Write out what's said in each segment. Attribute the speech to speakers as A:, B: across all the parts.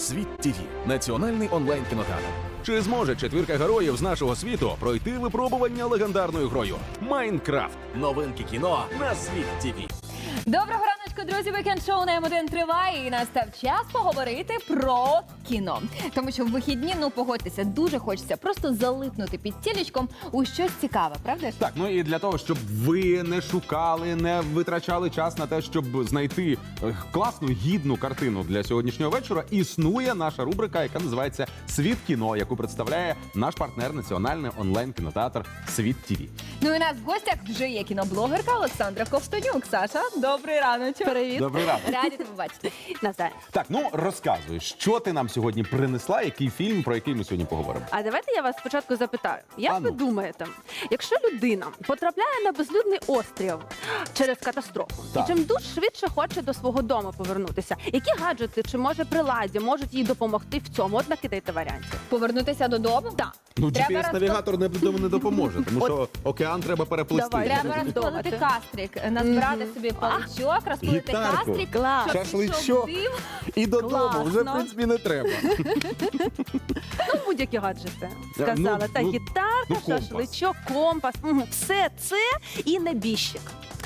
A: Світ ТВ – національний онлайн-кінотеатр. Чи зможе четвірка героїв з нашого світу пройти випробування легендарною грою Майнкрафт? Новинки кіно на Світ ТВ.
B: Доброго раночку, друзі! Вікенд-шоу на М1 триває і настав час поговорити про кіно. Тому що в вихідні, погодьтеся, дуже хочеться просто залипнути під тілечком у щось цікаве, правда ж?
C: Так, і для того, щоб ви не шукали, не витрачали час на те, щоб знайти класну, гідну картину для сьогоднішнього вечора, існує наша рубрика, яка називається «Світ кіно», яку представляє наш партнер національний онлайн-кінотеатр «Світ ТВ».
B: Ну і у нас в гостях вже є кіноблогерка Олександра Ковтонюк. Саша, добрий раночок.
D: Привіт.
C: Добрий ранок.
B: Раді тебе бачити.
D: Навзаєм.
C: Так, розказуй, що ти нам сьогодні принесла, який фільм, про який ми сьогодні поговоримо?
D: А давайте я вас спочатку запитаю. Як
C: А ну.
D: ви думаєте, якщо людина потрапляє на безлюдний острів через катастрофу,
C: Так.
D: і чим дуже швидше хоче до свого дому повернутися, які гаджети чи може приладдя можуть їй допомогти в цьому? От накидайте варіантів.
B: Повернутися додому?
D: Так.
B: Треба
C: GPS-навігатор не допоможе, тому що океан треба переплисти.
D: Давай.
B: Треба
D: Розмінтувати.
B: розпалити кастрик, назбирати собі паличок, розпалити
C: Гітарку.
B: кастрик,
D: Клас.
B: щоб
C: Шашличок.
B: пішов дим.
C: І додому
D: Класно.
C: вже, в принципі, не треба.
D: Ну, будь-які гаджети. Сказала. Та гітарка,
C: компас.
D: шашличок, компас. Все це і небіжчик.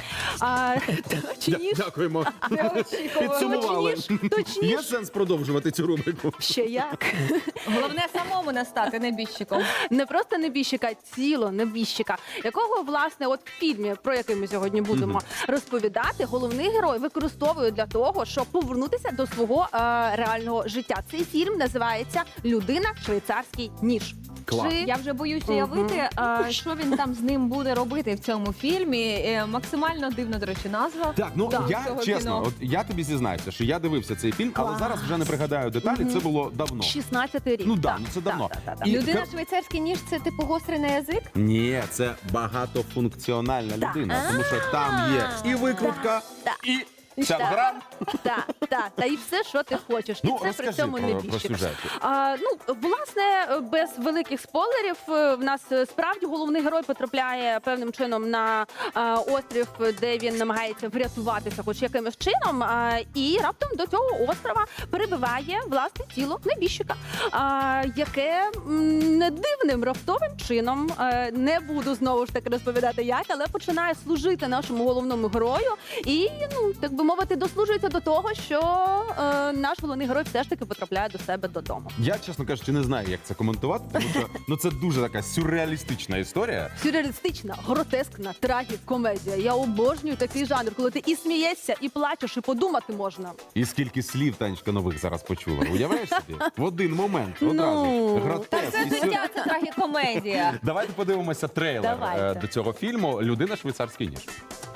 D: Точніше,
C: Дякуємо.
B: Неочікувано.
C: Підсумували.
D: точніше.
C: Є сенс продовжувати цю рубрику?
D: Ще як.
B: Головне самому не стати небіжчиком.
D: Не просто небіжчика, а ціло небіжчика, якого, власне, от в фільмі, про який ми сьогодні будемо розповідати, головний герой використовує для того, щоб повернутися до свого реального життя. Цей фільм називається «Людина. Швейцарський ніж».
C: Клас.
B: Я вже боюсь уявити, що він там з ним буде робити в цьому фільмі. Максимально дивна, до речі, назва.
C: Так, я
B: цього
C: чесно,
B: кіно.
C: от я тобі зізнаюся, що я дивився цей фільм, але
D: Клас.
C: зараз вже не пригадаю деталі, це було давно.
D: 16-й рік.
C: Ну да,
D: Так,
C: це давно.
D: так.
C: І-
B: Людина швейцарський ніж – це типу гострий на язик?
C: Ні, це багатофункціональна людина, тому що там є і викрутка,
D: Так.
C: і шавграм.
D: Та і все, що ти хочеш. І це при
C: Розкажи
D: цьому
C: про
D: небіжчик.
C: сюжет.
D: Власне, без великих спойлерів, в нас справді головний герой потрапляє певним чином на острів, де він намагається врятуватися хоч якимось чином, і раптом до цього острова перебиває власне тіло небіжчика, яке не дивним раптовим чином, не буду знову ж таки розповідати як, але починає служити нашому головному герою і, так би мовити, дослужується до того, що наш головний герой все ж таки потрапляє до себе додому.
C: Я, чесно кажучи, не знаю, як це коментувати, тому що це дуже така сюрреалістична історія.
D: Сюрреалістична, гротескна трагікомедія. Я обожнюю такий жанр, коли ти і смієшся, і плачеш, і подумати можна.
C: І скільки слів, Танечка, нових зараз почула. Уявляєш собі? В один момент одразу.
D: Ну.
C: Гротеск.
B: Це
C: і сюр-
B: життя, це трагікомедія.
C: Давайте подивимося трейлер
D: Давайте.
C: до цього фільму «Людина. Швейцарський ніж».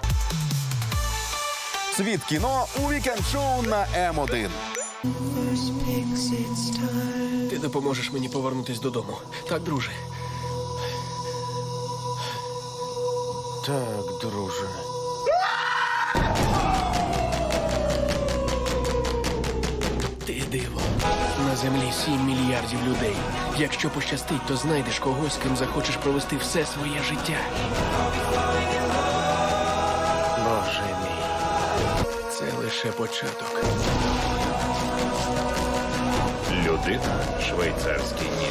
C: Світ кіно у вікенд-шоу на М1.
E: Ти допоможеш мені повернутись додому. Так, друже?
F: Так, друже.
E: Ти диво. На землі 7 мільярдів людей. Якщо пощастить, то знайдеш когось, з ким захочеш провести все своє життя.
F: Боже мій.
E: Це лише початок.
F: Людина. Швейцарський ніж.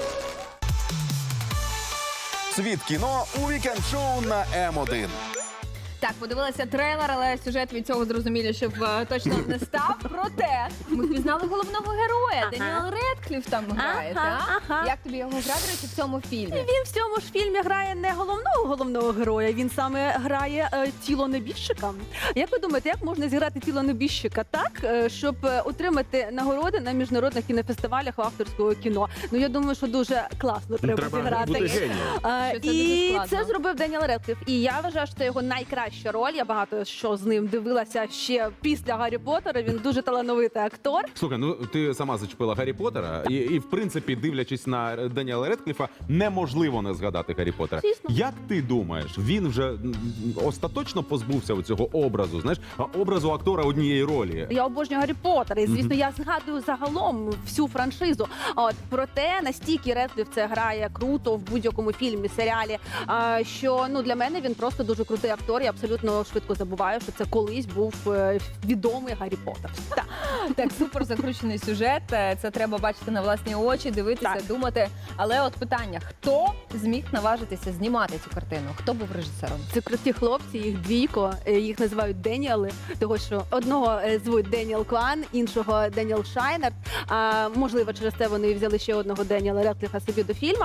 C: Світ кіно у вікенд-шоу на М1.
B: Так, подивилася трейлер, але сюжет від цього зрозуміло, щоб точно не став. Проте ми впізнали головного героя. Деніел Редкліф там грає, так?
D: ага.
B: Як тобі його гра, до речі, в цьому фільмі?
D: Він в цьому ж фільмі грає не головного героя, він саме грає тіло небіжчика. Як ви думаєте, як можна зіграти тіло небіжчика так, щоб отримати нагороди на міжнародних кінофестивалях авторського кіно? Я думаю, що дуже класно треба зіграти.
C: бути генієм.
B: Що це дуже
D: І
B: складно.
D: це зробив Деніел Редкліф. І я вважаю, що це його найкраща роль. Я багато що з ним дивилася ще після Гаррі Поттера. Він дуже талановитий актор.
C: Слухай, ти сама зачепила Гаррі Поттера, і в принципі, дивлячись на Деніела Редкліфа, неможливо не згадати Гаррі Поттера.
D: Звісно.
C: Як ти думаєш, він вже остаточно позбувся цього образу, образу актора однієї ролі?
D: Я обожнюю Гаррі Поттера, і звісно, я згадую загалом всю франшизу. Проте настільки Редкліф це грає круто в будь-якому фільмі, серіалі, що для мене він просто дуже крутий актор. Я абсолютно швидко забуваю, що це колись був відомий Гаррі Поттер. Так.
B: Так, супер закручений сюжет. Це треба бачити на власні очі, дивитися,
D: Так.
B: думати. Але от питання: хто зміг наважитися знімати цю картину? Хто був режисером?
D: Це круті хлопці, їх двійко, їх називають Деніали, того що одного звуть Деніел Кван, іншого Деніел Шайнер. Можливо, через це вони взяли ще одного Деніела Редкліфа собі до фільму.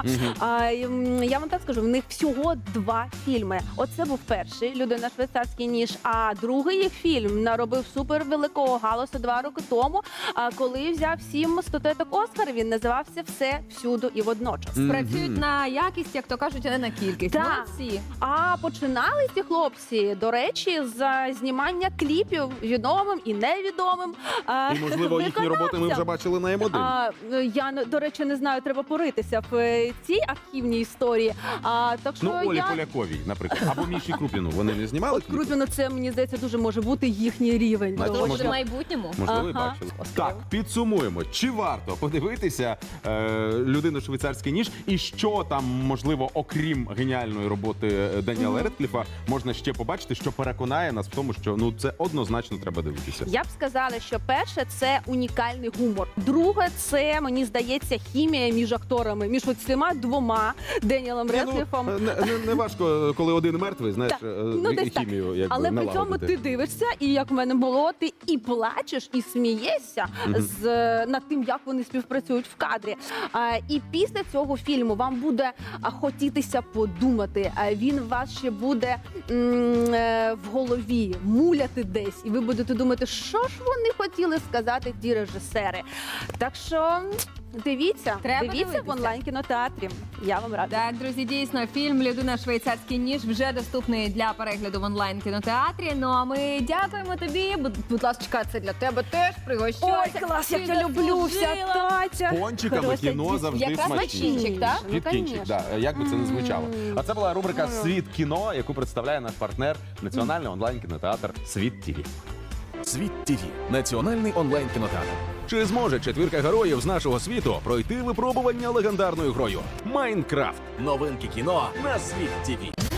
D: Я вам так скажу, в них всього 2 фільми. Оце був перший «Людина швейцарський ніж», а другий їх фільм наробив супер великого галасу 2 роки тому, коли взяв 7 статуеток Оскар. Він називався «Все, всюду і водночас».
B: Працюють на якість, як то кажуть, а не на кількість.
D: Так.
B: Молодці.
D: А починали ці хлопці, до речі, з знімання кліпів відомим і невідомим.
C: І, можливо, їхні роботи ми вже бачили на М1.
D: Я, до речі, не знаю, треба поритися в цій архівній історії. Так що
C: Ну, Олі
D: я...
C: Поляковій, наприклад, або Міші Крупіну. Вони не знімали кліпи?
D: Крупіно, це, мені здається, дуже може бути їхній рівень.
C: Значить,
D: Тому
B: Може,
D: що-
B: в майбутньому?
C: Можливо, і
D: Ага.
C: бачили. Так, підсумуємо. Чи варто подивитися «Людину швейцарський ніж» і що там, можливо, окрім геніальної роботи Деніела Редкліфа, можна ще побачити, що переконає нас в тому, що ну це однозначно треба дивитися.
D: Я б сказала, що перше це унікальний гумор. Друге, це мені здається хімія між акторами, між цими 2 Деніелом Редкліфом.
C: Не важко, коли один мертвий, знаєш,
D: Так, ну, десь так.
C: хімію якби
D: Але при цьому
C: налагодити.
D: ти дивишся, і як в мене було, ти і плачеш, і смієшся над тим, як вони співпрацюють в кадрі. І після цього фільму вам буде хотітися подумати. Він у вас ще буде в голові муляти десь, і ви будете думати, що ж вони хотіли сказати ті режисери. Так що дивіться,
B: Треба
D: дивіться
B: дивитися.
D: в онлайн-кінотеатрі. Я вам рада.
B: Так, друзі, дійсно, фільм «Людина швейцарський ніж» вже доступний для перегляду в онлайн-кінотеатрі. Ну а ми дякуємо тобі. Будь ласка, це для тебе теж. Пригощайся.
D: Ой, клас, як
B: Ти
D: я люблю вся
B: заслужила.
D: таця.
C: Пончиками
D: Хороша
C: кіно
D: дійсно.
C: завжди
B: Якраз
C: смачніше.
B: начинчик, так?
D: Ну,
C: Підкінчик,
D: конечно.
C: да, як би це не звучало. А це була рубрика «Світ кіно», яку представляє наш партнер Національний онлайн-кінотеатр «Світ ТІВІ».
A: Світ ТІВІ – національний онлайн-кінотеатр. Чи зможе четвірка героїв з нашого світу пройти випробування легендарною грою Майнкрафт? Новинки кіно на Світ ТІВІ.